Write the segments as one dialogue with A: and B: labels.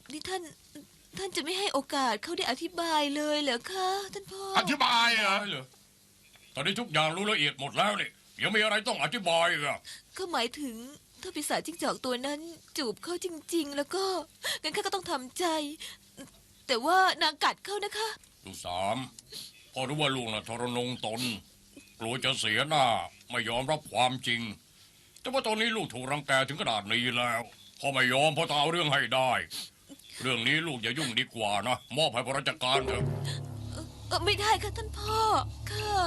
A: นี่ท่านจะไม่ให้โอกาสเขาได้อธิบายเลยเหรอคะท่านพ่อ
B: อธิบายเหรอ
C: เหรอตอนนี้ทุกอย่างรู้ละเอียดหมดแล้วนี่ยังมีอะไรต้องอธิบายอีกอ่ะ
A: ก็หมายถึงถ้าปีศาจจิ้งจอกตัวนั้นจูบเขาจริง ๆ แล้วก็งั้นข้าก็ต้องทำใจ แต่ว่านางกัดเขานะคะ
C: ลูกสามพอรู้ว่าลูกน่ะทรนงตนกลัวจะเสียหน้าไม่ยอมรับความจริง แต่ว่าตอนนี้ลูกถูกรังแกถึงขนาดนี้แล้วพ่อไม่ยอมพ่อจะเอาเรื่องให้ได้ เรื่องนี้ลูกอย่ายุ่งดีกว่านะมอบให้พระราชการเถอะ
A: ไม่ได้ค่ะท่านพ่อข้า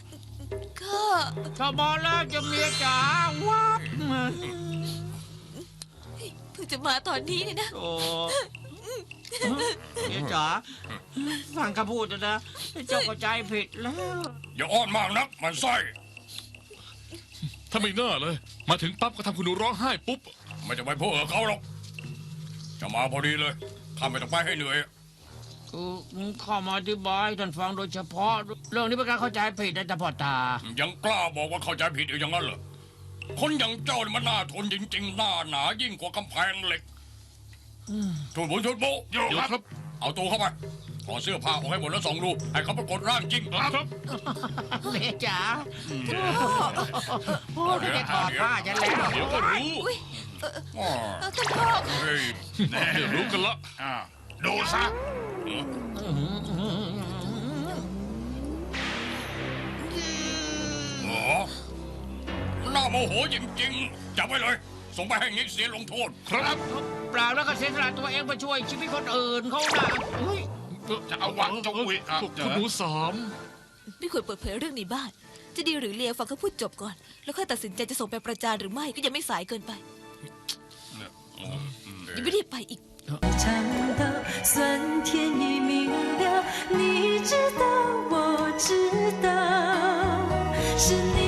D: ถ้าบอกแล้วจะเมียจ๋าวับ
A: เพิ่งจะมาตอนนี้เนี่ยนะ
D: โอ้เมียจ๋าฟังคำพูดนะเจ้าก็ใจผิดแล้ว
C: อย่าอ้อนมากนักมันไส้
B: ถ้าไม่น่าเลย มาถึงปั๊บก็ทำคุณหนูร้องไห้ปุ๊บ
C: ไม่จะไปพูดกับเขาหรอกจะมาพอดีเลยข้าไม่ต้องไปให้เหนื่อย
D: คือข้ามาอธิบายท่านฟังโดยเฉพาะ เรื่องนี้เป็นการเข้าใจผิดนะจ๊ะพ่อตา
C: ยังกล้าบอกว่าเข้าใจผิดอยู่อย่างนั้นเหรอคนอย่างเจ้านี่มันน่าทนจริงๆหน้าหนายิ่งกว่ากำแพงเหล็กชุดบุญชุดบุ
B: เดี๋ยวครับ
C: เอาตัวเข้าไปถอดเสื้อผ้าออกให้หมดแล้วส่องดูให้เขาปรากฏร่างจริง
B: ครับ
D: เมียจ๋าโอ้ยจะถอดผ้าฉันแล้ว
B: เดี๋ยวก็รู้
C: อ๋อ
A: ท่านพ่อ
C: เฮ้ย
B: เดี๋ยวรู้กันละ
C: ดูซะอ๋อน่าโมโหจริงๆจับไว้เลย ส่งไปให้งิกเสียลงโทษ
B: ครับ
D: เปล่าแล้วก็เสียสละตัวเองไปช่วยชีวิตคนอื่นเขานะอุ้ย
B: จะเอาหวังจงวิคุณหนูสาม
A: ไม่ควรเปิดเผยเรื่องในบ้าน จะดีหรือเลวฟังเขาพูดจบก่อน แล้วค่อยตัดสินใจจะส่งไปประจานหรือไม่ก็ยังไม่สายเกินไปยังไม่ได้ไปอีก
E: 尝到酸甜已明了，你知道，我知道，是你。